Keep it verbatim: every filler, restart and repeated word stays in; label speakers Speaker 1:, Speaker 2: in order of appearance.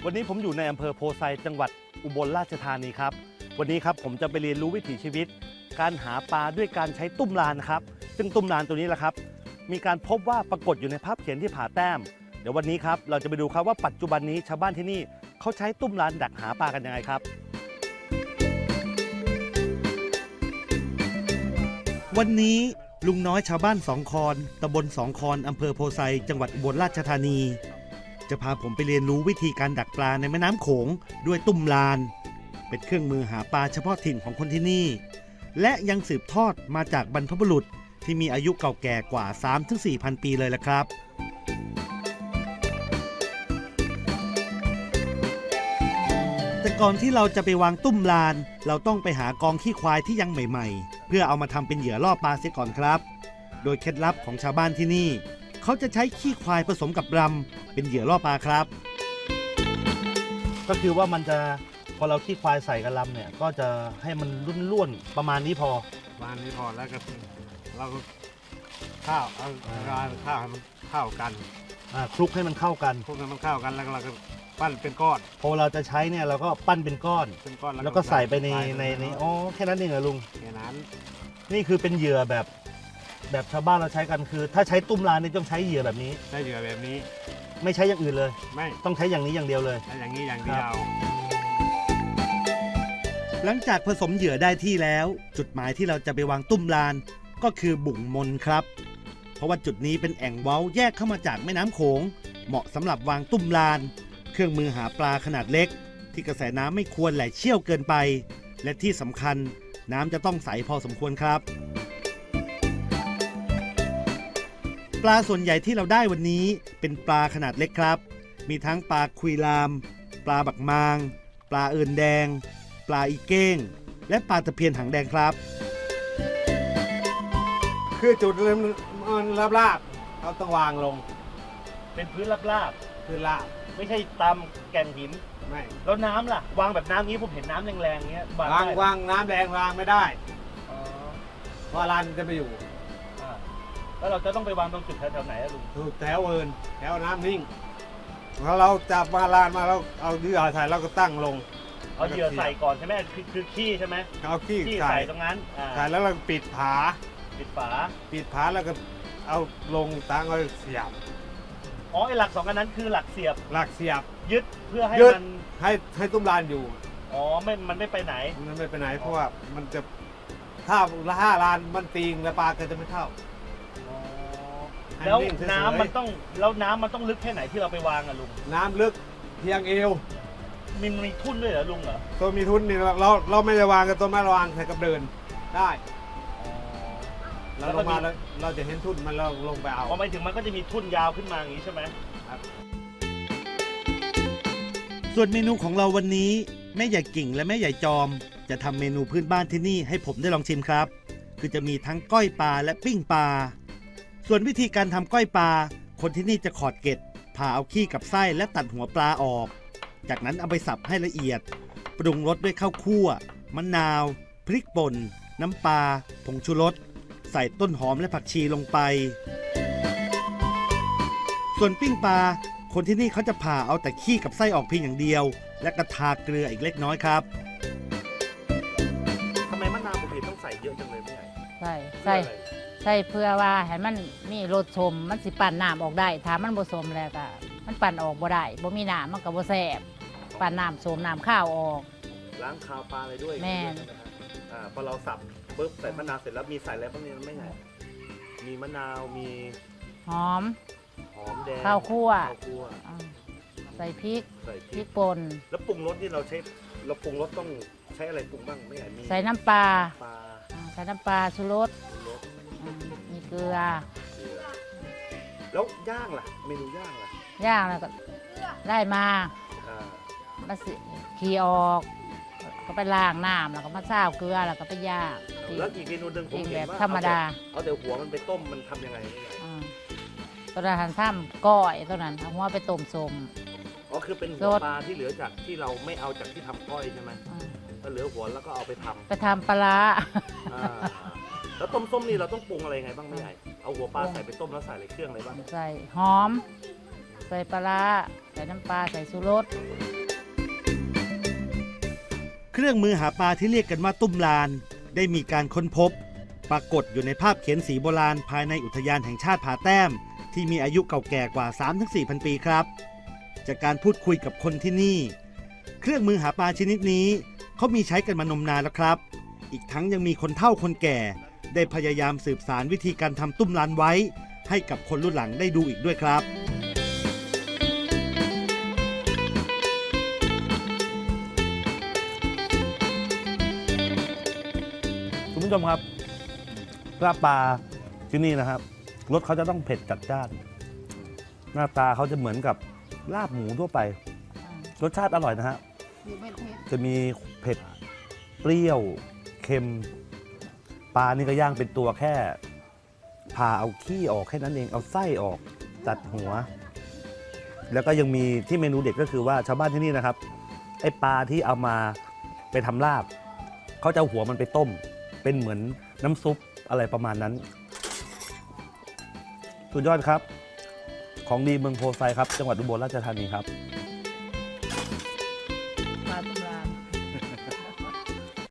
Speaker 1: วันนี้ผมอยู่ในอำเภอโพไซจังหวัดอุบลราชธานีครับวันนี้ครับผมจะไปเรียนรู้วิถีชีวิตการหาปลาด้วยการใช้ตุ้มลานนะครับซึ่งตุ้มลานตัวนี้แหละครับมีการพบว่าปรากฏอยู่ในภาพเขียนที่ผาแต้มเดี๋ยววันนี้ครับเราจะไปดูครับว่าปัจจุบันนี้ชาวบ้านที่นี่เขาใช้ตุ้มลานดักหาปลากันยังไงครับวันนี้ลุงน้อยชาวบ้านสองคอนตำบลสองคอนอำเภอโพไซจังหวัดอุบลราชธานีจะพาผมไปเรียนรู้วิธีการดักปลาในแม่น้ำโขงด้วยตุ้มลานเป็นเครื่องมือหาปลาเฉพาะถิ่นของคนที่นี่และยังสืบทอดมาจากบรรพบุรุษที่มีอายุเก่าแก่กว่า สามถึงสี่พัน ปีเลยละครับแต่ก่อนที่เราจะไปวางตุ้มลานเราต้องไปหากองขี้ควายที่ยังใหม่ๆเพื่อเอามาทำเป็นเหยื่อล่อปลาเสียก่อนครับโดยเคล็ดลับของชาวบ้านที่นี่เขาจะใช้ขี้ควายผสมกับรำเป็นเหยื่อล่อปลาครับก็คือว่ามันจะพอเราขี้ควายใส่กับรำเนี่ยก็จะให้มันร่วนๆประมาณนี้พอ
Speaker 2: ประมาณนี้พอแล้วก็เราก็ข้าวเอาการข้าวให้มันเข้ากัน
Speaker 1: คลุกให้มันเข้ากัน
Speaker 2: คลุกให้มันเข้ากันแล้วเราก็ปั้นเป็นก้อน
Speaker 1: พอเราจะใช้เนี่ยเราก็ปั้นเป็นก้อน
Speaker 2: เป็นก้อน
Speaker 1: แล้วก็ใส่ไปในในนี้อ๋อแค่นั้นเองเหรอลุง
Speaker 2: แค่นั้น
Speaker 1: นี่คือเป็นเหยื่อแบบแบบชาวบ้านเราใช้กันคือถ้าใช้ตุ้มลานนี่ต้องใช้เหยื่อแบบนี้
Speaker 2: ใช้เหยื่อแบบนี้
Speaker 1: ไม่ใช้อย่างอื่นเลย
Speaker 2: ไม่
Speaker 1: ต้องใช้อย่างนี้อย่างเดียวเลย
Speaker 2: ใช้อย่างนี้อย่างเดียว
Speaker 1: หลังจากผสมเหยื่อได้ที่แล้วจุดหมายที่เราจะไปวางตุ้มลานก็คือบุ่งมนครับเพราะว่าจุดนี้เป็นแอ่งเว้าแยกเข้ามาจากแม่น้ำโขงเหมาะสำหรับวางตุ้มลานเครื่องมือหาปลาขนาดเล็กที่กระแสน้ำไม่ควรไหลเชี่ยวเกินไปและที่สำคัญน้ำจะต้องใสพอสมควรครับปลาส่วนใหญ่ที่เราได้วันนี้เป็นปลาขนาดเล็กครับมีทั้งปลาคุยลามปลาบักมางปลาเอินแดงปลาอีเก้งและปลาตะเพียนหางแดงครับ
Speaker 2: คือจุดเริ่มมันลาบๆเราต้องวางลง
Speaker 1: เป็นพื้นราบ
Speaker 2: ๆพื้นราบ
Speaker 1: ไม่ใช่ตามแก่งหิน
Speaker 2: ไม่
Speaker 1: แล้วน้ำล่ะวางแบบน้ำนี้ผมเห็นน้ำแรงๆเงี้ยว
Speaker 2: างวางน้ำแรงวางไม่ได้เพราะลานจะไปอยู่
Speaker 1: แล้วเราจะต้องไปวางตรงจุดแถวๆไหนอะลุง
Speaker 2: ถูกแถวเอินแถวน้ำนิ่งพอเราจับมาลานมาเราเอาเหยื่อใส่เราก็ตั้งลง
Speaker 1: เอาเหยื่อใส่ก่อนใช่ไหมคือคือขี้ใช่ไหม
Speaker 2: เอาขี้
Speaker 1: ใส่ตรงนั้น
Speaker 2: ใส่แล้วเราปิดผา
Speaker 1: ปิดฝา
Speaker 2: ปิดผาแล้วก็เอาลงตั้งเอาเสียบ
Speaker 1: อ๋อไอหลักสองอันนั้นคือหลักเสียบ
Speaker 2: หลักเสียบ
Speaker 1: ยึดเพื่อให้มัน
Speaker 2: ให้ให้ตุ้มลานอยู่
Speaker 1: อ๋อไม่มันไม่ไปไหน
Speaker 2: มันไม่ไปไหนเพราะว่ามันจะถ้าห้าลานมันตีงแล้วปลาก็จะไม่เข้า
Speaker 1: แล้วน้ำมันต้องแล้วน้ำมันต้องลึกแค่ไหนที่เราไปวางอะลุง
Speaker 2: น้ำลึกเพียงเอว
Speaker 1: มีมีทุ่นด้วยเหรอลุงเหรอ
Speaker 2: ตัวมีทุ่นนี่เราเราไม่ได้วางกับตัวไม่วางใส่กับเดินได้เราลงมาแล้วเราจะเห็นทุ่นมันเราลงไปเอา
Speaker 1: พอไปถึงมันก็จะมีทุ่นยาวขึ้นมาอย่างนี้ใช่ไหมครับส่วนเมนูของเราวันนี้แม่ใหญ่กิ่งและแม่ใหญ่จอมจะทำเมนูพื้นบ้านที่นี่ให้ผมได้ลองชิมครับคือจะมีทั้งก้อยปลาและปิ้งปลาส่วนวิธีการทำก้อยปลาคนที่นี่จะขอดเกล็ดผ่าเอาขี้กับไส้และตัดหัวปลาออกจากนั้นเอาไปสับให้ละเอียดปรุงรสด้วยข้าวคั่วมะนาวพริกป่นน้ำปลาผงชูรสใส่ต้นหอมและผักชีลงไปส่วนปิ้งปลาคนที่นี่เขาจะผ่าเอาแต่ขี้กับไส้ออกเพียงอย่างเดียวและกระทาเกลืออีกเล็กน้อยครับทำไมมะนาวผมเห็นต้องใส่เยอะจังเลยไม่ใหญ่
Speaker 3: ใส่ใส่ใส่เพื่อว่าให้มันมีรสชมมันสิปั่นน้ำออกได้ถ้ามันผสมแล้วก็มันปั่นออกบ่ได้บ่มีน้ำมันก็บ่แซ่บปั่นน้ำโสมน้ำข้าวออก
Speaker 1: ล้างคาวปลาอะไรด้วย
Speaker 3: แม่
Speaker 1: อ่าพอเราสับปุ๊บใส่มะนาวเสร็จแล้วมีใส่อะไรพวกนี้ไม่ใช่มีมะนาวมี
Speaker 3: หอม
Speaker 1: หอมแดง
Speaker 3: ข้าวคั่วใส่พริก
Speaker 1: ใส่
Speaker 3: พริกป่น
Speaker 1: แล้วปรุงรสที่เราใช้เราปรุงรสต้องใช้อะไรปรุงบ้างไม่ใช่มี
Speaker 3: ใส่น้ำปลาใส่น้ำปลาชูรสมีเกลือ
Speaker 1: แล้วย่างล่ะเมนูย่างล่ะ
Speaker 3: ย่างแล้วก็ได้มามาสิขี่ออกก็ไปล้างน้ำแล้วก็มาซาวเกลือแล้วก็ไปย่าง
Speaker 1: แล้วอีกเมนูหนึ่งผมเห็นว่า
Speaker 3: ธรรมดา
Speaker 1: เอาแต่หัวมันไปต้มมันทำยังไง
Speaker 3: ตัวนั้นทำซ้ำก้อยตัวนั้นเอาหัวไปต้มสม
Speaker 1: อ๋อคือเป็นหัวปลาที่เหลือจากที่เราไม่เอาจากที่ทำก้อยใช่ไหมก็เหลือหัวแล้วก็เอาไปทำ
Speaker 3: ไปทำปลา
Speaker 1: แล้วต้มส้มนี่เราต้องปรุงอะไรไงบ้างไม่ใหญ่เอาหัวปลาใส่ไปต้มแล้วใส่อะไรเครื่องอะไรบ้าง
Speaker 3: ใส่หอมใส่ปลาใส่น้ำปลาใส่ชูรส
Speaker 1: เครื่องมือหาปลาที่เรียกกันว่าตุ้มลานได้มีการค้นพบปรากฏอยู่ในภาพเขียนสีโบราณภายในอุทยานแห่งชาติผาแต้มที่มีอายุเก่าแก่กว่า สามถึงสี่พัน ปีครับจากการพูดคุยกับคนที่นี่เครื่องมือหาปลาชนิดนี้เขามีใช้กันมานมนานแล้วครับอีกทั้งยังมีคนเฒ่าคนแก่ได้พยายามสืบสานวิธีการทำตุ้มลานไว้ให้กับคนรุ่นหลังได้ดูอีกด้วยครับ
Speaker 4: คุณผู้ชมครับลาบปลาที่นี่นะครับรสเขาจะต้องเผ็ดจัดจ้านหน้าตาเขาจะเหมือนกับลาบหมูทั่วไปรสชาติอร่อยนะฮะจะมีเผ็ดเปรี้ยวเค็มปลานี่ก็ย่างเป็นตัวแค่ผ่าเอาขี้ออกแค่นั้นเองเอาไส้ออกตัดหัวแล้วก็ยังมีที่เมนูเด็ดก็คือว่าชาวบ้านที่นี่นะครับไอ้ปลาที่เอามาไปทำลาบเขาจะเอาหัวมันไปต้มเป็นเหมือนน้ำซุปอะไรประมาณนั้นสุดยอดครับของดีเมืองโพไซครับจังหวัดอุบลราชธานีครับ